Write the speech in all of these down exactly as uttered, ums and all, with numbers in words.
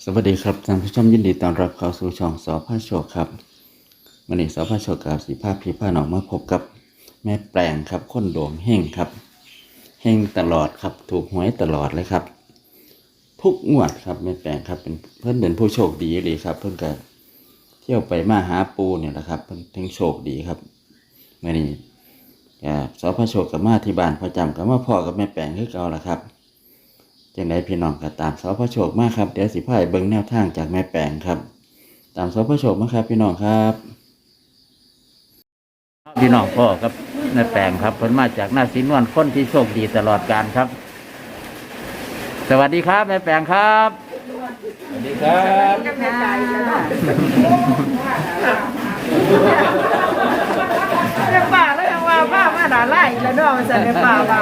สวัสดีครับท่านผู้ชมยินดีต้อนรับเข้าสู่ช่องสอพระโชคครับวันนี้สอพระโชคกับสีผ้าพีผ้าหนองมาพบกับแม่แปลงครับคนดวงเฮงครับเฮงตลอดครับถูกหวยตลอดเลยครับทุกงวดครับแม่แปลงครับเป็นเพื่อนเป็นผู้โชคดีเลยครับเพื่อนก็เที่ยวไปมาหาปูเนี่ยแหละครับเพื่อนถึงโชคดีครับวันนี้สอพระโชคกับมาที่บ้านประจำกับมาพ่อกับแม่แปลงคือเก่าละครับจังไดพี่น้องก็ตามสอพระโชคมากครับเดี๋ยวสิพาไปเบิ่งแนวทางจากแม่แปลงครับตามสอพระโชคมาครับพี่น้องครับพี่น้องพ่อครับแม่แปลงครับเพิ่นมาจากหน้าสีนวลคนที่โชคดีตลอดกาลครับสวัสดีครับแม่แปลงครับสวัสดีครับเรียกป่าแล้วยังว่าป้ามาด่าไล่แล้วเนาะมันจะเรียกป่าป่า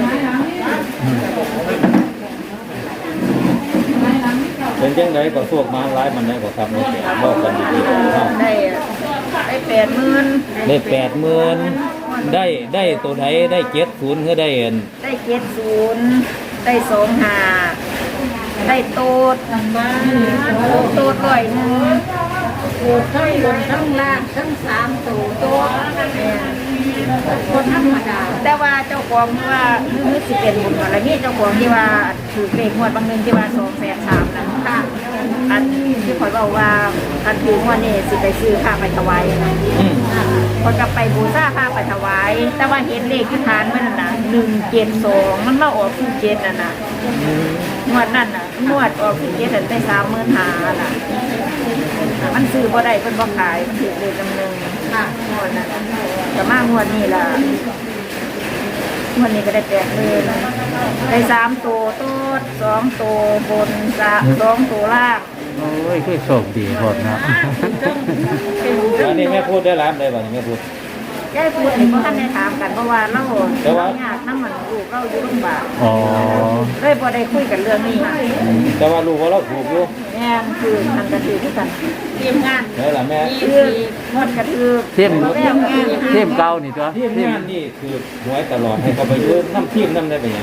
เป็นยังไงก็พวกมาไล่มันได้ก็ทำไม่เสียบอกกันดีๆได้ได้แปดหมื่นได้แปดหมื่นได้ได้ตัวไหนได้เจ็ดศูนย์ก็ได้เอ็นได้เจ็ดศูนย์ได้สองห้าได้โต๊ดโต๊ดร้อยหนึ่งโต๊ดทั้งบนทั้งล่างทั้งสามตัวโต๊ดคนธรรมดาแต่ว่าเจ้าของว่านึกสิเป็นบุญอะไรนี่เจ้าของที่ว่าถือเลขงวดบางนึงที่ว่าสองแสนสามนะค่ะอันที่คอยบอกว่าการถืองวดนี่สิไปซื้อผ้าไปถวายนะคนก็ไปบูชาผ้าไปถวายแต่ว่าเห็นเลขที่ทานมันน่ะหนึ่งเจ็ดสองมันมาออกที่เจ็ดน่ะนะงวดนั่นน่ะงวดออกที่เจ็ดได้สามหมื่นห้าน่ะมันซื้อบ่ได้เพิ่นบ่ขายมันถือเลยจำนึงค่ะงวดนั้นแต่มางวดนี้ล่ะงวดนี้ก็ได้แปดหมื่นได้สามตัวโต๊ดสองตัวบนสามสองตัวล่างโอ้ยคือโชคดีหมดนะอันนี้แม่พูดได้ร้านได้ป่ะนี่แม่พูดยายพูดนี่เพราะท่านได้ถามกันเพราะว่าเราเราอยากน้ำมันลูกเราอยู่โรงพยาบาลอ๋อเลยพอได้คุยกันเรื่องนี้แต่ว่ารู้ว่าเราถูกอยู่แม่คือทำกระถือที่กันเตรียมงานได้ละแม่คืองดกระถือเทียมเทียมเก่านี่ตัวทีมงานนี่คือหวยตลอดให้เขาไปยืนน้ำทีมน้ำได้ไปยัง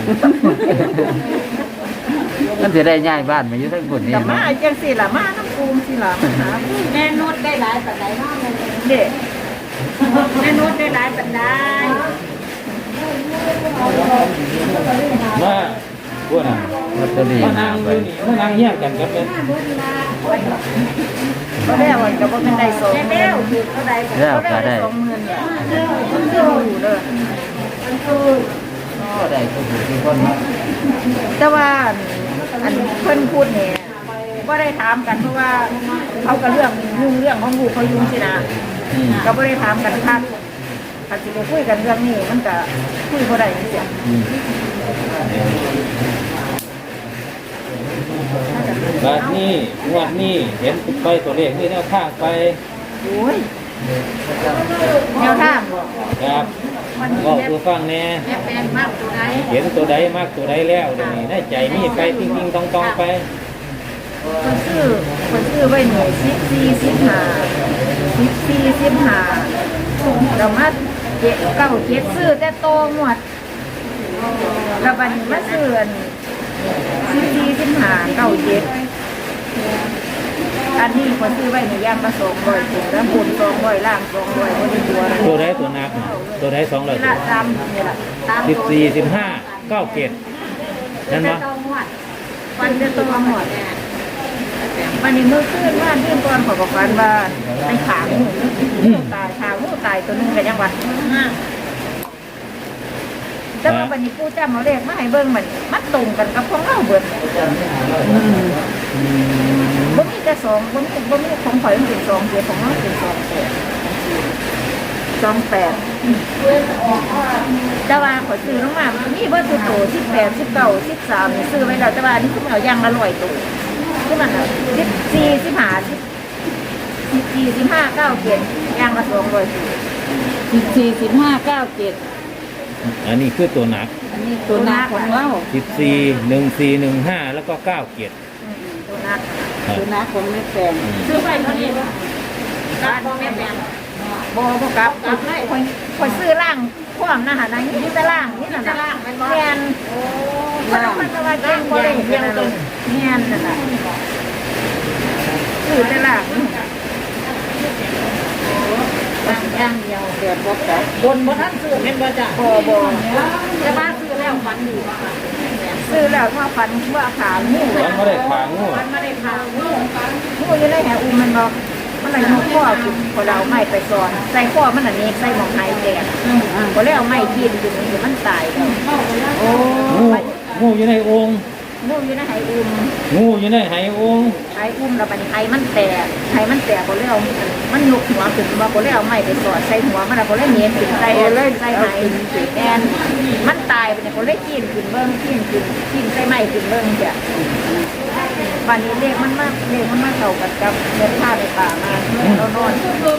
มันจะได้ย้ายบ้านมาอยู่ทั้งคนนี้แต่มาจังสิล่ะมาน้ำปูมสิล่ะมาหาแม่นุชได้หลายปัจจัยมากเลยเด็กแม่นุชได้หลายปัจจัยมาพวกน่ะลอตเตอรี่มานั่งอยู่นี่มานั่งเยี่ยงกันกับเป็นก็ได้วันก็บ่เป็นได้สองหมื่นคือก็ได้ก็ได้สองหมื่นเนี่ยมันคืออยู่เลยมันคือก็ได้ทุกทุกคนแต่ว่าอันเพิ่นพูดเนี่ยก็ได้ถามกันเพราะว่าเขาก็เรื่องยุ่งเรื่องของลูกเขายุ่งสินะก็ไม่ได้ถามกันคักถ้าจะไปคุยกันเรื่องนี้มันก็คุยบ่ได้เสียแบบนี้งวดนี้เห็นไปตัวเลขนี่แนวทางไปโอ้ยแนวทางบ่ครับบอกตัวฟังแน่แม่แปลงมากตัวใดเห็นตัวใดมากตัวใดแล้วเดี๋ยวนี้ได้ใจมีไปจริงๆตองๆไปคนซื้อคนซื้อไว้หน่วยสิบสี่สิบห้าสิบสี่สิบห้าเรามาเจ็ดเก้าเจ็ดซื้อแต่โตหมดแล้วบัดนี้มาซื้อสิบสี่สิบห้าเก้าเจ็ดอันนี้คนซื้อไว้ในย่างมาสองร้อยถึงแล้วบุญสองร้อยล่างสองร้อยคนในตัวนะตัวใดตัวนักตัวใดสองร้อยนี่ละตามนี่ละตามสิบสี่สิบห้าเก้าเกตนั่นมั้ยฟันจะตัวหมดวันนี้มือขึ้นว่าเรื่องก่อนขอบอกกันว่าในขาหมูตายขาหมูตายตัวนึงกันยังวันแต่ว่าวันนี้ผู้จ้ามาเรียกมาให้เบิ้งมันมันตรงกันกับของเราเบิดบ่มีแต่สองบ่มีบ่มีของข่อยมันเป็นสองเดียวของเราเป็นสองแปดสองแปดแต่ว่าข่อยซื้อลงมามีเบอร์ตัวโตสิบแปดสิบเก้าสิบสามซื้อไว้แล้วแต่ว่านี่คือเอาย่างละร้อยตัวคือมันสิบสี่สิบห้าสิบสิบสี่สิบห้าเก้าเจ็ดย่างละสองร้อยสิบสี่สิบห้าเก้าเจ็ดอันนี้คือตัวหนักอันนี้ตัวนักของเราสิบสี่หนึ่งสี่หนึ่งห้าแล้วก็เก้าเกตตัวนักตัวนักของแม่แปลงซื้อไปเท่านี้การแม่แปลงบ่บ่กลับกลับเลยคนคนซื้อล่างความนะฮะนะนี่จะล่างนี่น่ะล่างแม่นโอ้มันมันจะว่าแกงบ่ได้เพียงตัวแม่นนั่นน่ะบ่จ้ะบนบ่ทันซื้อเห็นบ่จ้ะบ่บ่แต่ว่าซื้อแล้วฝันดีซื้อแล้วถ้าฝันว่าขางูมันไม่ได้ขางูฝันไม่ได้ขางูงูอยู่ในแหอุ้มมันบ่มันเลยเอาข้อกินพอเราไม้ไปซ้อนใส่ข้อมันอันนี้ใส่หมองไห้แดงพอแล้วไม้กินอยู่นี่มันตายแล้วโอ้งูงูอยู่ในโองค์งูอยู่ในไหอุ้มงูอยู่ในไหโองค์ไหอุ้มแล้วบัดนี้ไหมันแตกไหมันแตกพอแล้วมันลุกหัวขึ้นมาพอแล้วไม้ไปสอดใส่หัวมันพอแล้วเนียนขึ้นใส่เลยใส่ไหแอนมันตายไปเนี่ยพอแล้วกินขึ้นเบิ้งกินขึ้นกินใส่ไม้ขึ้นเบิ้งจ้ะบัดนี้เลขมันมากเลขมันมากเท่ากับกับเงินผ้าในป่ามาเรานอน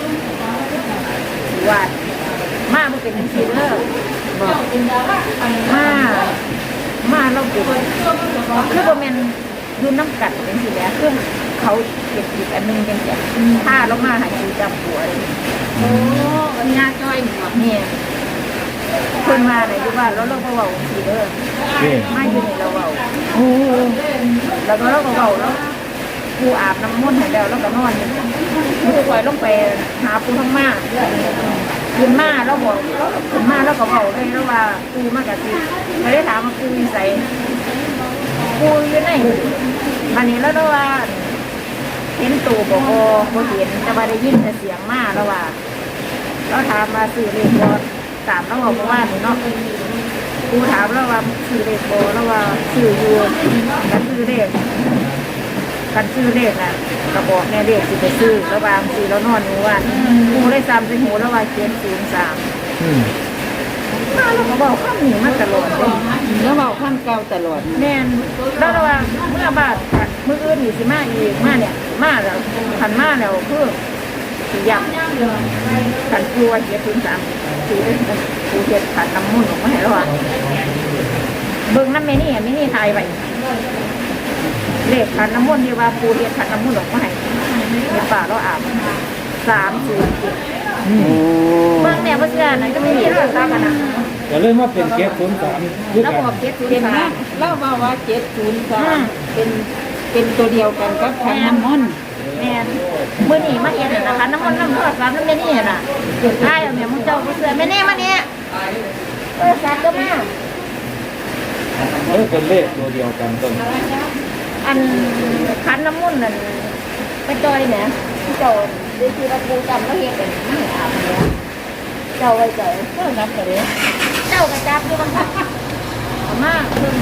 วาดมามันเป็นซีเลอร์บอกมามาเราเป็นคือโบแมนดูน้ำกัดเป็นสิแล้วคือเขาเก็บอีกอันนึงเป็นแบบผ้าแล้วมาหายใจจับหัวเลยโอ้ยาจ้อยหมดเนี่ยคนมาไหนดูว่าแล้วเราก็เบาซีเลอร์นี่มาอยู่ในเราเบาโอ้แล้วก็เราก็เบาแล้วปูอาบน้ำมนต์ให้แล้วแล้วก็นอนปูปล่อยลงไปหาปูทั้งมาขึ้นมาแล้วบอกขึ้นมาแล้วก็เบาเลยแล้วว่าปูมากกะสิไม่ได้ถามว่าปูใส่ปูอยู่ไหนวันนี้แล้วว่าเห็นตูบอกโอ้โหเห็นแต่ว่าได้ยินแต่เสียงมาแล้วว่าเราถามมาสื่อเลขบอตามแล้วบอกว่าเนาะปูถามแล้วว่าสื่อเลขบอแล้วว่าสื่ออยู่กันสื่อเลขกันซื้อเลขน่ะกระบอกแน่เลขสิไปซื้อระบางสีแล้วนอนอยู่ว่าปูได้ซ้ำใส่หูแล้วว่าเขียนศูนย์สามอืมมาแล้วก็บอกข้ามหนีมาตลอดเลยแล้วเบาข้ามเก่าตลอดแม่นแล้วระหว่างเมื่อบาทมืออื่นอยู่สิมาอีกมาเนี่ยมาแล้วขันมาแล้วคือสียำขันกลัวเขียนศูนย์สามสีปูเขียนขันน้ำมุ่นออกมาให้แล้วอ่ะเบิ่งน้ำเมนี่เมนี่ทายไปเลขขันน้ำมุ่นที่ว่าปูเขียนขันน้ำมุ่นออกมาให้ในป่าเราอาบสามศูนย์เจ็ดอืมเบิ่งเนี่ยเพื่อนนั่นก็ไม่เห็นราคากันนะก็เลยมาเป็นเก็บศูนย์สามด้วยแล้วกันบอกเจ็ดศูนเห็นย์ไหมสามเล่าว่าว่าเจ็ดศูนย์สามเป็นเป็นตัวเดียวกันกับขันน้ำมนต์แม่นมื่อนี้มาเห็นน่ะนะคะน้ำมันน้ำทอดสามน้ำเมนี่น่ะใช่เอาเนี่ยมึงเจ้าผู้เสือแม่แน่มาเนี่ยเออสัตว์ก็มาเออเป็นเลขตัวเดียวกันต้นอันคันน้ำมุ่นนั่นไปจอยเนี่ยเจ้าดูที่เราปูจำแล้วเห็นเป็นไม่อาบเนี่ยเจ้าไว้เจ้าเจ้านับเลยเจ้ากระจับด้วยบ้างค่ะเอามาเพิ่ม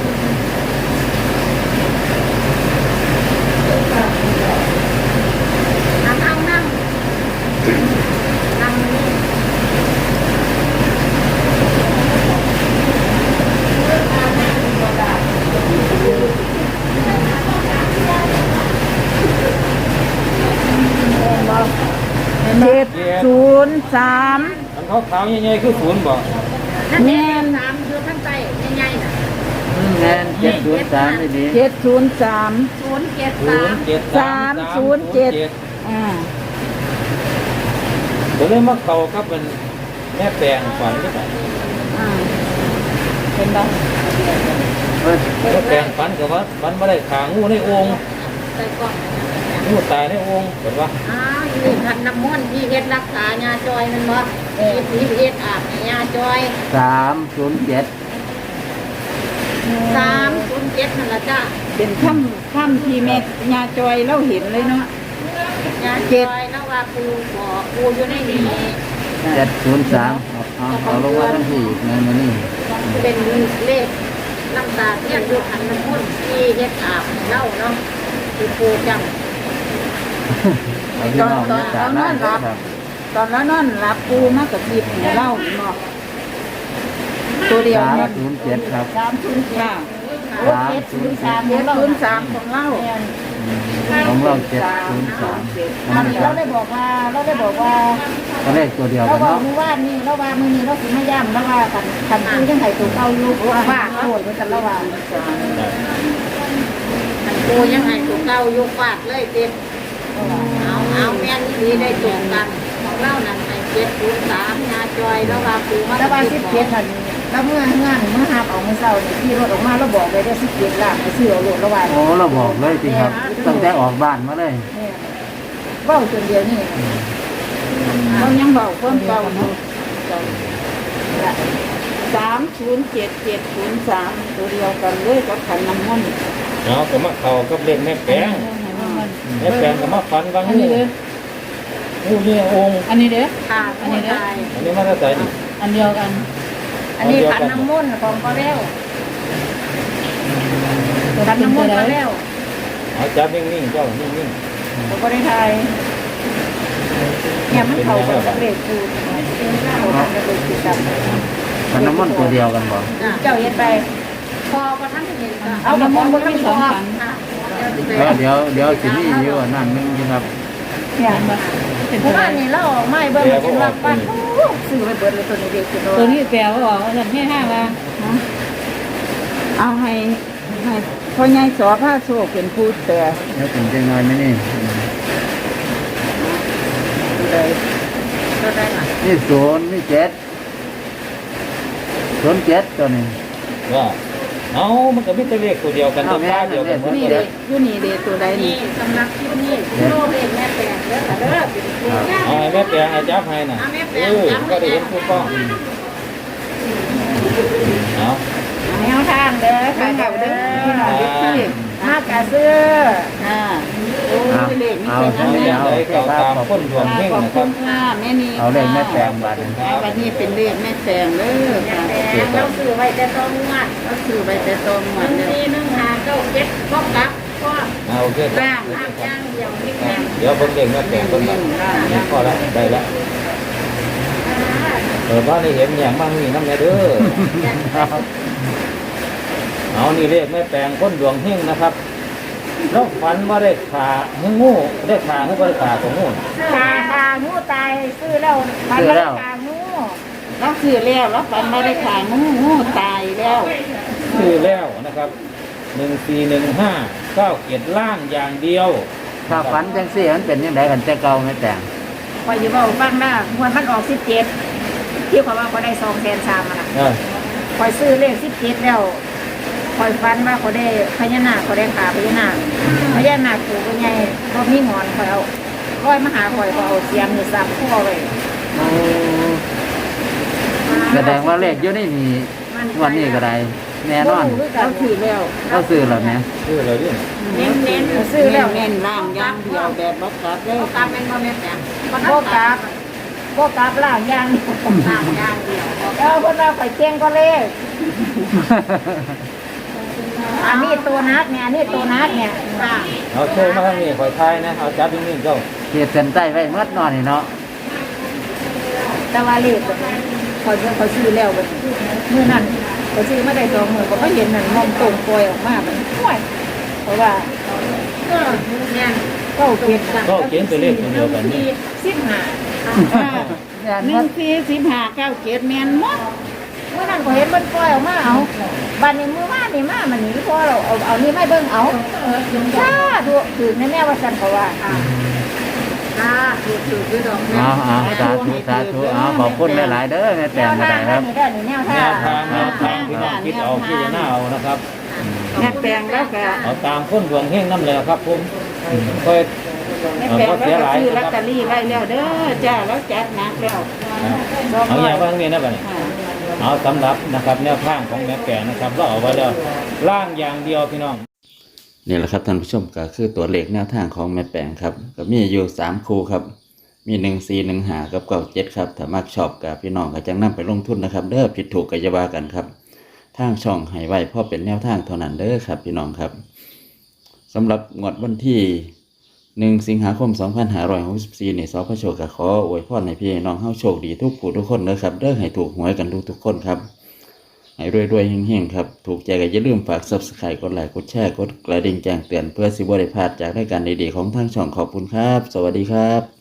นั่งนั่งนั่งนั่งนี่เจ็ดศูนย์สามอันเขาขาวๆใหญ่ๆคือศูนย์บอกนั่นแน่สามคือท่านใจใหญ่ๆน่ะแน่นเจ็ดศูนย์สามนี่ดีเจ็ดศูนย์สามศูนย์เจ็ดศูสาน มย์เจ็ดสามศูนย์เจ็ด อ่าเดี๋ยวเลยมาเข้ากับเป็นแม่แปลงฝันหรือเปล่าอ่าเห็นปะเอ้ยแม่แปลงฝันกับว่าฝันไม่ได้ขางูในโองค์ใส่กล่องงูตายในโองค์เห็นปะอ้าวนี่คันน้ำมันต์ที่เฮ็ดรักษายาจอยมันบ่เฮ็ดที่เฮ็ดอาบให้ยาจอยสามศูนย์เจ็ดสามศูนย์เจ็ดนั่นล่ะจ้ะเป็นค่ำค่ำที่แม่ยาจอยเราเห็นเลยเนาะยาจอยแล้วว่าปูบอกปูอยู่ในนี้เจ็ดศูนย์สามเอาเอาลงมาทั้งที่ในมือนี่เป็นเลขน้ำตาเทียนอยู่คันน้ำมันต์ที่เฮ็ดอาบให้เล่าเนาะที่ปูจำเอาพี่น้องเนี่ยจากนั้นครับตอนแล้วนอนรับปูมากกับจีบให้เล่าเนาะตัวเดียวสามเนาะศูนย์เจ็ดครับสามศูนย์เจ็ดค่ะโอ้เจ็ดศูนย์สามเจ็เจ็ดดศูศูนนย์ย์สาสาม มของเล่าของเราเจ็ดศูนย์สามอันนี้เราได้บอกว่าเราได้บอกว่าก็เลขตัวเดียวเรากันบอกเนาะมือว่านี่เราว่ามือนี้เราสิมาย่ำแล้วว่ากันกันซื้อจังไห้ตัวเก่าอยู่ว่าโทษเหมือนกันแล้วว่ากันโกยังไห้ตัวเก่าอยู่ฟาดเลยเต็มเอาเอาแม่นนี่ได้ตรงกันของเรานั่นไอ้เจ็ดศูนย์สามยาจอยแล้วว่าปูมาแล้วว่าสิบเจ็ดนั่นแล้วเมื่องานเมื่อหาเอาเมื่อเช้านี่ที่รถออกมาเราบอกเลยได้สิบเจ็ดล้านไปซื้อเอารถแล้วว่าโอ้เราบอกเลยจริงครับตั้งแต่ออกบ้านมาเลยเนี่ยเบ้าจนเดียวนี่เรายังเบาความเก่าอยู่เกันสามศูนย์เจ็ดเจ็ดศูนย์สามตัวเดียวกันเลยกับขันน้ำมันต์เอาก็มาเข้ากับเลขแม่แปลงแม่แปลงก็มาฝันว่าอันงูนี้เด้องูเนี่ยองค์อันนี้เด้อค่ะอันนี้ได้อันนี้มาได้ใส่นี่อันเดียวกันอันนี้ขันน้ำมนต์ของพ่อแล้วขันน้ำมนต์พ่อแล้วเอาจับนิ่งๆเจ้านิ่งเราก็ได้ทายเนี่ยมันเข่ากับเลขคือเขาทำกับเลขคือกันมันน้ำมันตัวเดียวกันบ่เจ้าเย็นไปพอก็ทั้งเห็นเอากับมองบนทั้งสองขันแล้วเดี๋ยวเดี๋ยวสิมีอยู่อันนั่นนึงอยู่ครับเนี่ยเพราะว่านี่เราไม่เบิ่งจนว่าปั้นซื้อไปเบิดเลยตัวนี้เด็กตัวนี้แปลว่าบอกว่าจะให้ห้าว่าเอาให้ให้พ่อใหญ่สอผ้าโชคเป็นผู้แต่แล้วเป็นจังไงไหมนี่เลยก็ได้ค่ะนี่ศูนย์นี่เจ็ดศูนย์เจ็ดตัวนี้ๆว่าเอามันก็มีแต่เลขตัวเดียวกันตัวค่าเดียวกันหมดนี่เลเด็ยกอยู่นี่เด็กตัวใดนี่นี่สำนักที่นี่โลกเองแม่แปลงเด้อเด้อเป็นเด็กเอาให้แม่แปลงให้จับให้น่ะเออก็ได้เห็นผู้ป้องเอาแนวทางเด้อค่ะเด้อพี่น้องที่มากะซื้ออ่าโอ้ยเลขนี่เอาเป็นเอาอันเลนี้ขเอาเอาตามคนดวงเฮงขอบนะคคุรับณค่ะแม่นี่เอาเลขแม่แปลงบัตรวันนี้เป็นเลขแม่แปลงเด้อค่ะแปลงเราซื้อไว้แต่ต้องงวดก็ซื้อไปแต่ตรงหมดหนึ่งเลยสี่หนึ่งห้าเก้าเจ็ดก็กลับก็เอาโอเคครับล่างล่างย่างเดียวนี่แม่เดี๋ยวผมเองแม่แปลงคนละนี่พอแล้วได้แล้วเออว่าได้เห็นอย่างบ้างนี่น้ำเนี่ยเด้อเอานี่เลขแม่แปลงคนดวงเฮงนะครับแล้วฝันว่าได้ขาให้งูได้ขาให้บริขาของงูตาตางูตายซื้อแล้วพันแล้วตางูเราซื้อแล้วเราฝันมาได้ขายงูงูตายแล้วคือแล้วนะครับหนึ่งสี่หนึ่งห้าเก้าเกียรล่างอย่างเดียวถ้าฝันจังซี่มันเป็นยังไงกันแต่เก่าแม่แต่งคอยอยู่ว่าฟังได้มวนมันออกสิบเจ็ดที่เขาว่าเขาได้สองแสนสามอ่ะเออคอยซื้อเลขสิบเจ็ดแล้วคอยฟันว่าเขาได้พญานาคเขาได้ขาพญานาคพญานาคถูกเป็นไงก็มีงอนคอยเอาร้อยมาหาคอยเขาเอาเสียมหรือซับคู่เอาไว้แสดงว่าเลขอยู่ในนี่วันนี้ก็ได้แน่นอนเราซื้อแล้วก็ซื้อแล้วแม่คืออะไรดิเน้นเน้นซื้ซื้ออแล้แล้ว วเน้นล่างย่างเดียวแบบบักกัดเลยกลับเป็นโมเมนต์เนี่ยมันโบกลับโบกลับล่างย่างล่างย่างเดียวเอาคนเราไข่เจียงก็เลขอันนี้ตัวนักเนี่ยอันนี้ตัวนักเนี่ยค่ะเอาโชว์มาทางนี้คอยทายนะเอาจับนิ่งๆเจ้าเขียนเส้นใต้ไว้เมื่อนอนนี่เนาะแต่ว่าเลขเขาเขาซื้อแล้วเมื่อนั้นเขาซื้อมาได้สองหมื่นเขาก็เห็นนั่นมองตรงปล่อยออกมามันห่วยเพราะว่าก็เนี่ยก็เขียนก็เขียนตัวเลขตัวเดียวกันนี่สิบห้าหนึ่งสี่สิบห้าเก้าเจ็ดแมนหมดเมื่อนั้นเขาเห็นมันปล่อยออกมาเอาบันนี้มือมานี่มามันนี่พอเราเอาเอานี่ไม่เบิ่งเอาถ้าดูถือแน่ๆว่าฉันเขาว่าค่ะถือถือคือดอกเอาเอาสาธุสาธุเอาขอบคุณหลายๆเด้อแม่แนแต่งวก็ทาได้งคได้รับนี่ได้นี่แนวแนทางวทางแนวทางพี่น้องคิดเอาพี่จะหน้าเอานะครับแม่แปลงแล้วก็เอาตามคนดวงเฮงน้ำเลยครับผมค่อยแม่เอาแปลงก็แล้เสียวก็หลายซื้อลนะอตคเตรัอบ รี่ไว้แล้วเด้อจ้าแล้วจัดหนักแล้วเอาอย่างว่าทางนี้นะบัดนี้เอาสำหรับนะครับแนวทางของแม่แก่นะครับเราเอาไว้แล้วล่างอย่างเดียวพี่น้องนี่แหละครับท่านผู้ชมก็คือตัวเลขแนวทางของแม่แปงครับก็มีอยู่สามคู่ครับมีหนึ่งสี่หนึ่งหากับเก้าเจ็ดครับถ้ามักชอบกับพี่น้องก็จังนำไปลงทุนนะครับเด้อผิดถูกก็จะว่ากันครับทางช่องให้ไว้เพราะเป็นแนวทางเท่านั้นเด้อครับพี่น้องครับสำหรับงวดวันที่หนึ่งสิงหาคมสองพันห้าร้อยหกสิบสี่นี่สพโชคก็ขออวยพรให้พี่น้องเฮาโชคดีทุกผู้ทุกคนเด้อครับเด้อให้ถูกหวยกันทุกทุกคนครับให้รวยๆเฮงๆครับถูกใจก็อย่าลืมฝาก ซับสไครบ์ กดไลค์กดแชร์กดกระดิ่งแจ้งเตือนเพื่อสิบ่ได้พลาดจากรายการดีๆของทางช่องขอบคุณครับสวัสดีครับ